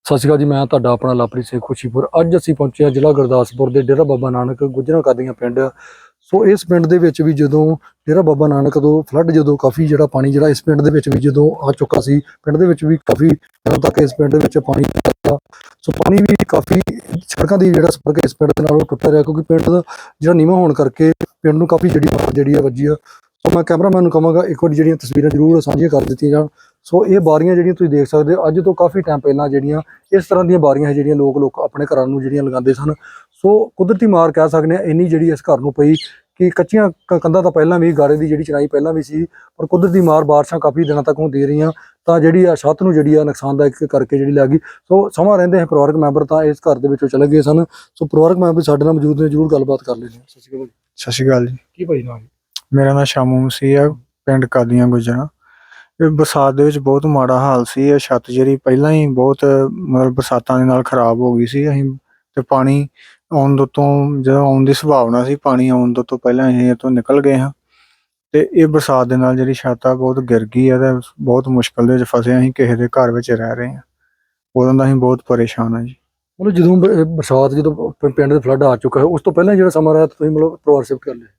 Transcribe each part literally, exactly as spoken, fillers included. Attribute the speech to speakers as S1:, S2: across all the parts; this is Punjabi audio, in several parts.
S1: ਸਤਿ ਸ਼੍ਰੀ ਅਕਾਲ ਜੀ। ਮੈਂ ਤੁਹਾਡਾ ਆਪਣਾ ਲਵਪ੍ਰੀਤ ਸਿੰਘ ਖੁਸ਼ੀਪੁਰ। ਅੱਜ ਅਸੀਂ ਪਹੁੰਚੇ ਹਾਂ ਜ਼ਿਲ੍ਹਾ ਗੁਰਦਾਸਪੁਰ ਦੇ ਡੇਰਾ ਬਾਬਾ ਨਾਨਕ ਗੁੱਜਰਾਂ ਕਾਦੀਆਂ ਪਿੰਡ। ਸੋ ਇਸ ਪਿੰਡ ਦੇ ਵਿੱਚ ਵੀ ਜਦੋਂ ਡੇਰਾ ਬਾਬਾ ਨਾਨਕ ਤੋਂ ਫਲੱਡ ਜਦੋਂ ਕਾਫੀ ਜਿਹੜਾ ਪਾਣੀ ਜਿਹੜਾ ਇਸ ਪਿੰਡ ਦੇ ਵਿੱਚ ਵੀ ਜਦੋਂ ਆ ਚੁੱਕਾ ਸੀ, ਪਿੰਡ ਦੇ ਵਿੱਚ ਵੀ ਕਾਫੀ ਦਿਨਾਂ ਤੱਕ ਇਸ ਪਿੰਡ ਦੇ ਵਿੱਚ ਪਾਣੀ ਪਿਆ। ਸੋ ਪਾਣੀ ਵੀ ਕਾਫੀ ਸੜਕਾਂ ਦੀ ਜਿਹੜਾ ਸੰਪਰਕ ਇਸ ਪਿੰਡ ਦੇ ਨਾਲ ਉਹ ਟੁੱਟਿਆ ਰਿਹਾ, ਕਿਉਂਕਿ ਪਿੰਡ ਦਾ ਜਿਹੜਾ ਨੀਵਾਂ ਹੋਣ ਕਰਕੇ ਪਿੰਡ ਨੂੰ ਕਾਫੀ ਜਿਹੜੀ ਬਾੜ ਜਿਹੜੀ ਆ ਵੱਜੀ ਆ। ਸੋ ਮੈਂ ਕੈਮਰਾਮੈਨ ਨੂੰ ਕਹਾਂਗਾ ਇੱਕ ਵਾਰੀ ਜਿਹੜੀਆਂ ਤਸਵੀਰਾਂ ਜ਼ਰੂਰ ਸਾਂਝੀਆਂ ਕਰ ਦਿੱਤੀਆਂ ਜਾਣ। ਸੋ ਇਹ ਬਾਰੀਆਂ ਜਿਹੜੀਆਂ ਤੁਸੀਂ ਦੇਖ ਸਕਦੇ ਹੋ, ਅੱਜ ਤੋਂ ਕਾਫੀ ਟਾਈਮ ਪਹਿਲਾਂ ਜਿਹੜੀਆਂ ਇਸ ਤਰ੍ਹਾਂ ਦੀਆਂ ਬਾਰੀਆਂ ਹੈ ਜਿਹੜੀਆਂ ਲੋਕ ਲੋਕ ਆਪਣੇ ਘਰਾਂ ਨੂੰ ਜਿਹੜੀਆਂ ਲਗਾਉਂਦੇ ਸਨ। ਸੋ ਕੁਦਰਤੀ ਮਾਰ ਕਹਿ ਸਕਦੇ ਹਾਂ ਇੰਨੀ ਜਿਹੜੀ ਇਸ ਘਰ ਨੂੰ ਪਈ ਕਿ ਕੱਚੀਆਂ ਕੰਧਾਂ ਤਾਂ ਪਹਿਲਾਂ ਵੀ ਗਾਰੇ ਦੀ ਜਿਹੜੀ ਚਿਣਾਈ ਪਹਿਲਾਂ ਵੀ ਸੀ, ਪਰ ਕੁਦਰਤੀ ਮਾਰ ਬਾਰਿਸ਼ਾਂ ਕਾਫੀ ਦਿਨਾਂ ਤੱਕ ਹੁੰਦੀ ਰਹੀਆਂ ਤਾਂ ਜਿਹੜੀ ਆ ਛੱਤ ਨੂੰ ਜਿਹੜੀ ਆ ਨੁਕਸਾਨਦਾਇਕ ਕਰਕੇ ਜਿਹੜੀ ਲੱਗ ਗਈ। ਸੋ ਸਮਾਂ ਰਹਿੰਦੇ ਹੈ ਪਰਿਵਾਰਕ ਮੈਂਬਰ ਤਾਂ ਇਸ ਘਰ ਦੇ ਵਿੱਚੋਂ ਚਲੇ ਗਏ ਸਨ। ਸੋ ਪਰਿਵਾਰਕ ਮੈਂਬਰ ਸਾਡੇ ਨਾਲ ਮੌਜੂਦ ਨੇ, ਜ਼ਰੂਰ ਗੱਲਬਾਤ ਕਰ ਲੈਂਦੇ ਹਾਂ। ਸਤਿ ਸ਼੍ਰੀ ਅਕਾਲ।
S2: ਸਤਿ ਸ਼੍ਰੀ ਅਕਾਲ ਜੀ।
S1: ਕੀ ਭਾਈ ਨਾਮ?
S2: ਮੇਰਾ ਨਾਮ ਸ਼ਾਮੂ ਮਸੀਹ ਆ, ਪਿੰਡ ਕਾਦੀਆਂ ਗੁੱਜਰਾਂ। ਇਹ ਬਰਸਾਤ ਦੇ ਵਿੱਚ ਬਹੁਤ ਮਾੜਾ ਹਾਲ ਸੀ। ਇਹ ਛੱਤ ਜਿਹੜੀ ਪਹਿਲਾਂ ਹੀ ਬਹੁਤ ਮਤਲਬ ਬਰਸਾਤਾਂ ਦੇ ਨਾਲ ਖਰਾਬ ਹੋ ਗਈ ਸੀ। ਅਸੀਂ ਤੇ ਪਾਣੀ ਆਉਣ ਤੋਂ ਜਦੋਂ ਆਉਣ ਦੀ ਸੰਭਾਵਨਾ ਸੀ, ਪਾਣੀ ਆਉਣ ਤੋਂ ਪਹਿਲਾਂ ਅਸੀਂ ਇਹ ਤੋਂ ਨਿਕਲ ਗਏ ਹਾਂ। ਤੇ ਇਹ ਬਰਸਾਤ ਦੇ ਨਾਲ ਜਿਹੜੀ ਛੱਤ ਆ ਬਹੁਤ ਗਿਰ ਗਈ ਹੈ ਤੇ ਬਹੁਤ ਮੁਸ਼ਕਲ ਦੇ ਵਿੱਚ ਫਸੇ। ਅਸੀਂ ਕਿਸੇ ਦੇ ਘਰ ਵਿੱਚ ਰਹਿ ਰਹੇ ਹਾਂ, ਉਦੋਂ ਦਾ ਅਸੀਂ ਬਹੁਤ ਪਰੇਸ਼ਾਨ ਹਾਂ ਜੀ।
S1: ਮਤਲਬ ਜਦੋਂ ਬ- ਬਰਸਾਤ ਜਦੋਂ ਪ- ਪਿੰਡ ਦੇ ਫਲੱਡ ਆ ਚੁੱਕਾ ਹੈ, ਉਸ ਤੋਂ ਪਹਿਲਾਂ ਜਿਹੜਾ ਸਮਾਂ ਰਿਹਾ ਤੁਸੀਂ ਮਤਲਬ ਪਰਿਵਾਰ ਸ਼ਿਫਟ ਕਰ ਲਿਆ?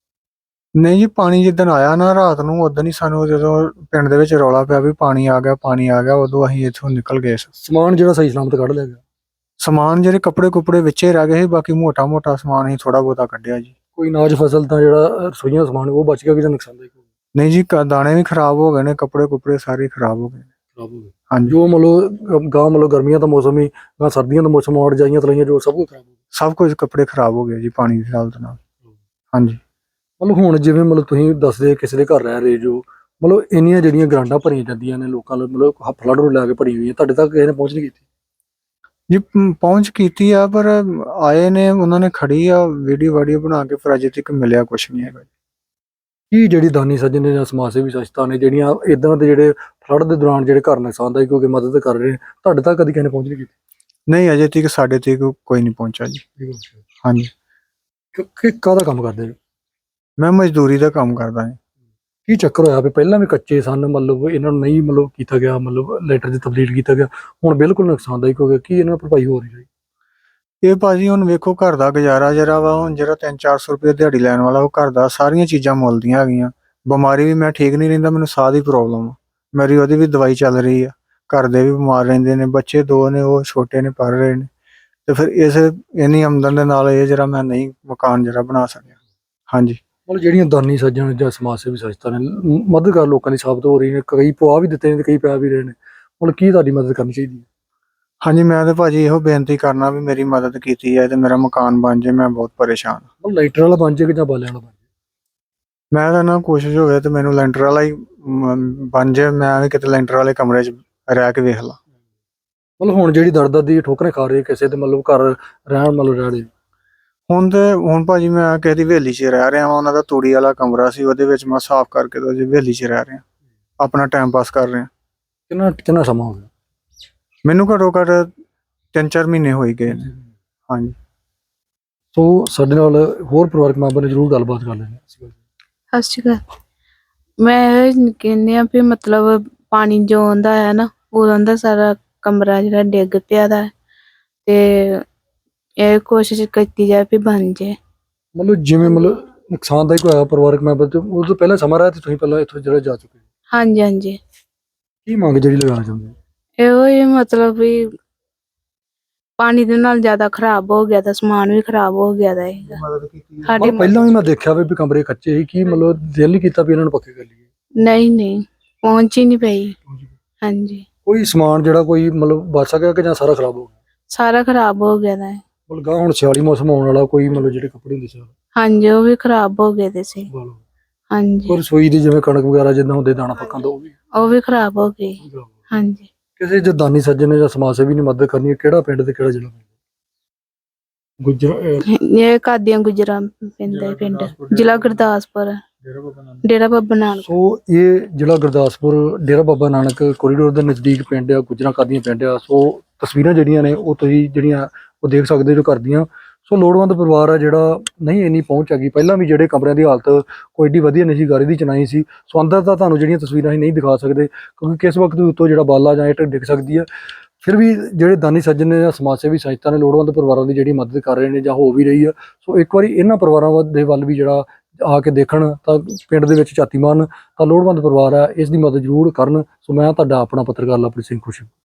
S2: ਨਹੀਂ ਜੀ, ਪਾਣੀ ਜਿੱਦਣ ਆਇਆ ਨਾ ਰਾਤ ਨੂੰ, ਉਦੋਂ ਹੀ ਸਾਨੂੰ ਜਦੋਂ ਪਿੰਡ ਦੇ ਵਿੱਚ ਰੌਲਾ ਪਿਆ ਵੀ ਪਾਣੀ ਆ ਗਿਆ ਪਾਣੀ ਆ ਗਿਆ, ਉਦੋਂ ਅਸੀਂ ਇੱਥੋਂ ਨਿਕਲ ਗਏ ਸੀ।
S1: ਸਮਾਨ ਜਿਹੜਾ ਸਹੀ ਸਲਾਮਤ ਕੱਢ ਲਿਆ ਗਿਆ?
S2: ਸਮਾਨ ਜਿਹੜੇ ਕੱਪੜੇ ਕੁਪੜੇ ਵਿੱਚੇ ਰਹਿ ਗਏ ਸੀ, ਬਾਕੀ ਮੋਟਾ ਮੋਟਾ ਸਮਾਨ ਅਸੀਂ ਥੋੜਾ ਬਹੁਤਾ ਕੱਢਿਆ ਜੀ।
S1: ਕੋਈ ਅਨਾਜ ਫਸਲ ਤਾਂ ਜਿਹੜਾ ਰਸੋਈਆਂ ਦਾ ਸਮਾਨ ਉਹ ਬਚ ਗਿਆ ਕਿ ਜਾਂ ਨੁਕਸਾਨਦਾਇਕ ਹੋ ਗਿਆ?
S2: ਨਹੀਂ ਜੀ, ਕ- ਦਾਣੇ ਵੀ ਖਰਾਬ ਹੋ ਗਏ ਨੇ, ਕੱਪੜੇ ਕੁਪੜੇ ਸਾਰੇ ਖਰਾਬ ਹੋ ਗਏ ਨੇ।
S1: ਖਰਾਬ ਹੋ ਗਿਆ
S2: ਹਾਂਜੀ,
S1: ਜੋ ਮਤਲਬ ਗਾਂ ਮਤਲਬ ਗਰਮੀਆਂ ਦਾ ਮੌਸਮ ਹੀ ਗਾਂ ਸਰਦੀਆਂ ਦਾ ਮੌਸਮ ਔੜ ਜਾਈਆਂ ਤਲਾਈਆਂ ਜੋ ਸਭ ਕੁਝ ਖਰਾਬ ਹੋ ਗਿਆ।
S2: ਸਭ ਕੁਝ ਕੱਪੜੇ ਖਰਾਬ ਹੋ ਗਏ ਜੀ ਪਾਣੀ ਦੀ ਹਾਲਤ ਨਾਲ। ਹਾਂਜੀ,
S1: ਮਤਲਬ ਹੁਣ ਜਿਵੇਂ ਮਤਲਬ ਤੁਸੀਂ ਦੱਸਦੇ ਕਿਸੇ ਦੇ ਘਰ ਰਹਿ ਰਹੇ ਜੋ, ਮਤਲਬ ਇੰਨੀਆਂ ਜਿਹੜੀਆਂ ਗਰਾਂਡਾਂ ਭਰੀਆਂ ਜਾਂਦੀਆਂ ਨੇ ਲੋਕਾਂ ਨੂੰ, ਮਤਲਬ ਫਲੱਡ ਨੂੰ ਲੈ ਕੇ ਭਰੀ ਹੋਈਆਂ, ਤੁਹਾਡੇ ਤੱਕ ਕਿਸੇ ਨੇ ਪਹੁੰਚ ਨਹੀਂ ਕੀਤੀ?
S2: ਜੀ ਪ- ਪਹੁੰਚ ਕੀਤੀ ਆ, ਪਰ ਆਏ ਨੇ, ਉਹਨਾਂ ਨੇ ਖੜੀ ਆ ਵੀਡੀਓ ਵਾਡੀਓ ਬਣਾ ਕੇ, ਪਰ ਅਜੇ ਤੱਕ ਮਿਲਿਆ ਕੁਛ ਨਹੀਂ ਹੈਗਾ।
S1: ਕੀ ਜਿਹੜੀ ਦਾਨੀ ਸੱਜਣ ਨੇ ਜਾਂ ਸਮਾਜ ਸੇਵੀ ਸੰਸਥਾ ਨੇ ਜਿਹੜੀਆਂ ਇਦਾਂ ਦੇ ਜਿਹੜੇ ਫਲੱਡ ਦੇ ਦੌਰਾਨ ਜਿਹੜੇ ਘਰ ਨੁਕਸਾਨਦਾਇਕ ਹੋ ਕੇ ਮਦਦ ਕਰ ਰਹੇ ਨੇ, ਤੁਹਾਡੇ ਤੱਕ ਕਦੀ ਕਿਸੇ ਨੇ ਪਹੁੰਚ ਨਹੀਂ ਕੀਤੀ?
S2: ਨਹੀਂ, ਅਜੇ ਤੱਕ ਸਾਡੇ ਤੱਕ ਕੋਈ ਨਹੀਂ ਪਹੁੰਚਾ ਜੀ। ਹਾਂਜੀ,
S1: ਕਿ ਕਾਹਦਾ ਕੰਮ ਕਰਦੇ ਨੇ?
S2: ਮੈਂ ਮਜ਼ਦੂਰੀ ਦਾ ਕੰਮ ਕਰਦਾ ਹਾਂ।
S1: ਕੀ ਚੱਕਰ ਹੋਇਆ ਵੀ ਪਹਿਲਾਂ ਵੀ ਕੱਚੇ ਸਨ, ਮਤਲਬ ਇਹਨਾਂ ਨੂੰ ਨਹੀਂ ਮਤਲਬ ਕੀਤਾ ਗਿਆ, ਮਤਲਬ ਲੈਟਰ 'ਚ ਤਬਦੀਲ ਕੀਤਾ ਗਿਆ, ਹੁਣ ਬਿਲਕੁਲ ਨੁਕਸਾਨਦਾਇਕ ਹੋ ਗਿਆ, ਕੀ ਇਹਨਾਂ ਭਰਪਾਈ ਹੋ ਰਹੀ ਹੈ?
S2: ਇਹ ਭਾਜੀ ਹੁਣ ਵੇਖੋ, ਘਰ ਦਾ ਗੁਜ਼ਾਰਾ ਜਿਹੜਾ ਵਾ, ਹੁਣ ਜਿਹੜਾ ਤਿੰਨ ਚਾਰ ਸੌ ਰੁਪਏ ਦਿਹਾੜੀ ਲੈਣ ਵਾਲਾ, ਉਹ ਘਰ ਦਾ ਸਾਰੀਆਂ ਚੀਜ਼ਾਂ ਮੁੱਲ ਦੀਆਂ ਹੈਗੀਆਂ। ਬਿਮਾਰੀ ਵੀ ਮੈਂ ਠੀਕ ਨਹੀਂ ਰਹਿੰਦਾ, ਮੈਨੂੰ ਸਾਹ ਦੀ ਪ੍ਰੋਬਲਮ ਆ, ਮੇਰੀ ਉਹਦੀ ਵੀ ਦਵਾਈ ਚੱਲ ਰਹੀ ਆ। ਘਰ ਦੇ ਵੀ ਬਿਮਾਰ ਰਹਿੰਦੇ ਨੇ, ਬੱਚੇ ਦੋ ਨੇ ਉਹ ਛੋਟੇ ਨੇ, ਪੜ੍ਹ ਰਹੇ ਨੇ, ਤੇ ਫਿਰ ਇਸ ਇੰਨੀ ਆਮਦਨ ਦੇ ਨਾਲ ਇਹ ਜਿਹੜਾ ਮੈਂ ਨਹੀਂ ਮਕਾਨ ਜਿਹੜਾ ਬਣਾ ਸਕਿਆ। ਹਾਂਜੀ,
S1: ਮਤਲਬ ਜਿਹੜੀਆਂ ਦਾਨੀ ਸੱਜਣ ਜਾਂ ਸਮਾਜ ਸੇਵੀ ਸੰਸਥਾ ਨੇ ਮ- ਮਦਦ ਕਰ ਲੋਕਾਂ ਦੀ ਸਾਬਤ ਹੋ ਰਹੀ ਨੇ, ਕਈ ਪਵਾ ਵੀ ਦਿੱਤੇ ਨੇ ਤੇ ਕਈ ਪਿਆ ਵੀ ਰਹੇ ਨੇ, ਮਤਲਬ ਕੀ ਤੁਹਾਡੀ ਮਦਦ ਕਰਨੀ ਚਾਹੀਦੀ ਹੈ?
S2: ਹਾਂਜੀ, ਮੈਂ ਤੇ ਭਾਜੀ ਇਹੋ ਬੇਨਤੀ ਕਰਨਾ ਵੀ ਮੇਰੀ ਮਦਦ ਕੀਤੀ ਹੈ ਤੇ ਮੇਰਾ ਮਕਾਨ ਬਣ ਜਾਏ। ਮੈਂ ਬਹੁਤ ਪਰੇਸ਼ਾਨ ਹਾਂ।
S1: ਮਤਲਬ ਲਾਈਟਰ ਵਾਲਾ ਬਣ ਜਾਏ ਕਿ ਜਾਂ ਬਾਲਿਆਂ ਵਾਲਾ ਬਣ ਜਾਏ?
S2: ਮੈਂ ਤਾਂ ਨਾ ਕੋਸ਼ਿਸ਼ ਹੋਵੇ ਤੇ ਮੈਨੂੰ ਲੈਂਟਰ ਵਾਲਾ ਹੀ ਮ, ਬਣ ਜਾਏ। ਮੈਂ ਵੀ ਕਿਤੇ ਲੈਂਟਰ ਵਾਲੇ ਕਮਰੇ 'ਚ ਰਹਿ ਕੇ ਵੇਖ ਲਾਂ।
S1: ਮਤਲਬ ਹੁਣ ਜਿਹੜੀ ਦਰ ਦਰ ਦੀ ਠੋਕਰੇ ਖਾ ਰਹੇ ਕਿਸੇ ਤੇ ਮਤਲਬ ਘਰ ਰਹਿਣ ਮਤਲਬ ਰਹਿ ਰਹੇ?
S2: ਹੁਣ ਤੇ ਹੁਣ ਭਾਜੀ ਮੈਂ ਕਿਸੇ ਦੀ ਹਵੇਲੀ 'ਚ ਰਹਿ ਰਿਹਾ ਵਾਂ। ਉਹਨਾਂ ਦਾ ਤੂੜੀ ਵਾਲਾ ਕਮਰਾ ਸੀ, ਉਹਦੇ ਵਿੱਚ ਮੈਂ ਸਾਫ਼ ਕਰਕੇ ਤੇ ਉਹਦੀ ਹਵੇਲੀ 'ਚ ਰਹਿ ਰਿਹਾ, ਆਪਣਾ ਟਾਈਮ ਪਾਸ ਕਰ ਰਿਹਾ।
S1: ਕਿੰਨਾ ਕਿੰਨਾ ਸਮਾਂ ਹੋ ਗਿਆ?
S2: ਮੈਨੂੰ ਘੱਟੋ ਘੱਟ ਤਿੰਨ ਚਾਰ ਮਹੀਨੇ ਹੋਈ ਗਏ ਨੇ। ਹਾਂਜੀ,
S1: ਸੋ ਸਾਡੇ ਨਾਲ ਹੋਰ ਪਰਿਵਾਰਕ ਮੈਂਬਰ ਨੇ ਜ਼ਰੂਰ ਗੱਲਬਾਤ ਕਰ ਲੈਣੀ।
S3: ਸਤਿ ਸ਼੍ਰੀ ਅਕਾਲ। ਮੈਂ ਇਹ ਕਹਿੰਦੀ ਆ ਵੀ ਮਤਲਬ ਪਾਣੀ ਜੋ ਆਉਂਦਾ ਹੈ ਨਾ, ਉਦੋਂ ਦਾ ਸਾਰਾ ਕਮਰਾ ਜਿਹੜਾ ਡਿੱਗ ਪਿਆ ਦਾ ਹੈ, ਤੇ ਇਹ ਕੋਸ਼ਿਸ਼ ਕੀਤੀ ਜਾਏ ਵੀ ਬਣ ਜਾਏ।
S1: ਮਤਲਬ ਜਿਵੇਂ ਮਤਲਬ ਨੁਕਸਾਨਦਾਇਕ ਹੋਇਆ ਪਰਿਵਾਰਕ ਮੈਂਬਰ ਤੇ ਉਹ ਤੋਂ ਪਹਿਲਾਂ ਸਮਾਂ ਰਿਹਾ ਤੇ ਤੁਸੀਂ ਪਹਿਲਾਂ ਇੱਥੋਂ ਜਿਹੜਾ ਜਾ ਚੁੱਕੇ,
S3: ਹਾਂਜੀ ਹਾਂਜੀ,
S1: ਕੀ ਮੰਗ ਜਿਹੜੀ ਲਗਾਉਣਾ ਚਾਹੁੰਦੇ?
S3: ਇਹੋ ਹੀ ਮਤਲਬ ਵੀ ਪਾਣੀ ਦੇ ਨਾਲ ਜ਼ਿਆਦਾ ਖਰਾਬ ਹੋ ਗਿਆ ਤਾਂ ਸਮਾਨ ਵੀ ਖਰਾਬ ਹੋ ਗਿਆ ਦਾ ਹੈਗਾ।
S2: ਮਦਦ ਕੀਤੀ
S3: ਸਾਡੀ
S1: ਮਤਲਬ ਪਹਿਲਾਂ ਵੀ ਮੈਂ ਦੇਖਿਆ ਵੇ ਵੀ ਕਮਰੇ ਕੱਚੇ ਸੀ, ਕੀ ਮਤਲਬ ਦਿਲ ਨਹੀਂ ਕੀਤਾ ਵੀ ਇਹਨਾਂ ਨੂੰ ਪੱਕੇ ਕਰ ਲਈਏ?
S3: ਨਹੀਂ ਨਹੀਂ, ਪਹੁੰਚ ਹੀ ਨਹੀਂ ਪਈ। ਹਾਂਜੀ,
S1: ਕੋਈ ਸਮਾਨ ਜਿਹੜਾ ਕੋਈ ਮਤਲਬ ਬਚ ਸਕਿਆ ਕਿ ਜਾਂ ਸਾਰਾ ਖਰਾਬ ਹੋ ਗਿਆ?
S3: ਸਾਰਾ ਖਰਾਬ ਹੋ ਗਿਆ ਦਾ ਹੈ।
S1: ਮਤਲਬ ਗਾਂ ਹੁਣ ਸਿਆਲੀ ਮੌਸਮ ਆਉਣ ਵਾਲਾ, ਕੋਈ ਮਤਲਬ ਜਿਹੜੇ ਕੱਪੜੇ ਹੁੰਦੇ ਸੀ
S3: ਹਾਂਜੀ, ਉਹ ਵੀ ਖਰਾਬ ਹੋ ਗਏ ਦੇ ਸੀ। ਹਾਂਜੀ,
S1: ਕੋਈ ਰਸੋਈ ਦੀ ਜਿਵੇਂ ਕਣਕ ਵਗੈਰਾ ਜਿੱਦਾਂ ਹੁੰਦੇ ਦਾਣਾ ਪੱਕਾਂ ਤੋਂ ਉਹ ਵੀ
S3: ਉਹ ਵੀ ਖਰਾਬ ਹੋ ਗਏ। ਹਾਂਜੀ,
S1: ਕਿਸੇ ਜੇ ਦਾਨੀ ਸੱਜਣ ਨੇ ਜਾਂ ਸਮਾਜ ਸੇਵੀ ਨੇ ਮਦਦ ਕਰਨੀ ਹੈ, ਕਿਹੜਾ ਪਿੰਡ ਤੇ ਕਿਹੜਾ ਜ਼ਿਲ੍ਹਾ? ਗੁੱਜਰ
S3: ਇਹ ਕਾਦੀਆਂ ਗੁਜਰਾਂ ਪੈਂਦਾ ਹੈ ਪਿੰਡ, ਜ਼ਿਲ੍ਹਾ ਗੁਰਦਾਸਪੁਰ, ਡੇਰਾ ਬਾਬਾ ਨਾਨਕ।
S1: ਸੋ ਇਹ ਜ਼ਿਲ੍ਹਾ ਗੁਰਦਾਸਪੁਰ ਡੇਰਾ ਬਾਬਾ ਨਾਨਕ ਕੋਰੀਡੋਰ ਦੇ ਨਜ਼ਦੀਕ ਪਿੰਡ ਆ, ਗੁੱਜਰਾਂ ਕਾਦੀਆਂ ਪਿੰਡ ਆ। ਸੋ ਤਸਵੀਰਾਂ ਜਿਹੜੀਆਂ ਨੇ ਉਹ ਤੁਸੀਂ ਜਿਹੜੀਆਂ ਉਹ ਦੇਖ ਸਕਦੇ ਜੋ ਕਰਦੀਆਂ। ਸੋ ਲੋੜਵੰਦ ਪਰਿਵਾਰ ਆ ਜਿਹੜਾ ਨਹੀਂ ਇੰਨੀ ਪਹੁੰਚ ਹੈਗੀ। ਪਹਿਲਾਂ ਵੀ ਜਿਹੜੇ ਕਮਰਿਆਂ ਦੀ ਹਾਲਤ ਕੋਈ ਏਡੀ ਵਧੀਆ ਨਹੀਂ ਸੀ, ਗਾਰੇ ਦੀ ਚਿਣਾਈ ਸੀ। ਸੋ ਅੰਦਰ ਤਾਂ ਤੁਹਾਨੂੰ ਜਿਹੜੀਆਂ ਤਸਵੀਰਾਂ ਅਸੀਂ ਨਹੀਂ ਦਿਖਾ ਸਕਦੇ, ਕਿਉਂਕਿ ਕਿਸ ਵਕਤ ਉੱਤੋਂ ਜਿਹੜਾ ਬਾਲਾ ਜਾਂ ਇੱਟ ਡਿੱਗ ਸਕਦੀ ਹੈ। ਫਿਰ ਵੀ ਜਿਹੜੇ ਦਾਨੀ ਸੱਜਣ ਨੇ ਜਾਂ ਸਮਾਜ ਸੇਵੀ ਸੰਸਥਾ ਨੇ ਲੋੜਵੰਦ ਪਰਿਵਾਰਾਂ ਦੀ ਜਿਹੜੀ ਮਦਦ ਕਰ ਰਹੇ ਨੇ ਜਾਂ ਹੋ ਵੀ ਰਹੀ ਆ। ਸੋ ਇੱਕ ਵਾਰੀ ਇਹਨਾਂ ਪਰਿਵਾਰਾਂ ਵੱਲ- ਦੇ ਵੱਲ ਵੀ ਜਿਹੜਾ ਆ ਕੇ ਦੇਖਣ ਤਾਂ ਪਿੰਡ ਦੇ ਵਿੱਚ ਝਾਤੀ ਮਾਰਨ ਤਾਂ ਲੋੜਵੰਦ ਪਰਿਵਾਰ ਹੈ, ਇਸ ਦੀ ਮਦਦ ਜ਼ਰੂਰ ਕਰਨ। ਸੋ ਮੈਂ ਤੁਹਾਡਾ ਆਪਣਾ ਪੱਤਰਕਾਰ ਲਵਪ੍ਰੀਤ ਸਿੰਘ ਖੁਸ਼ੀ।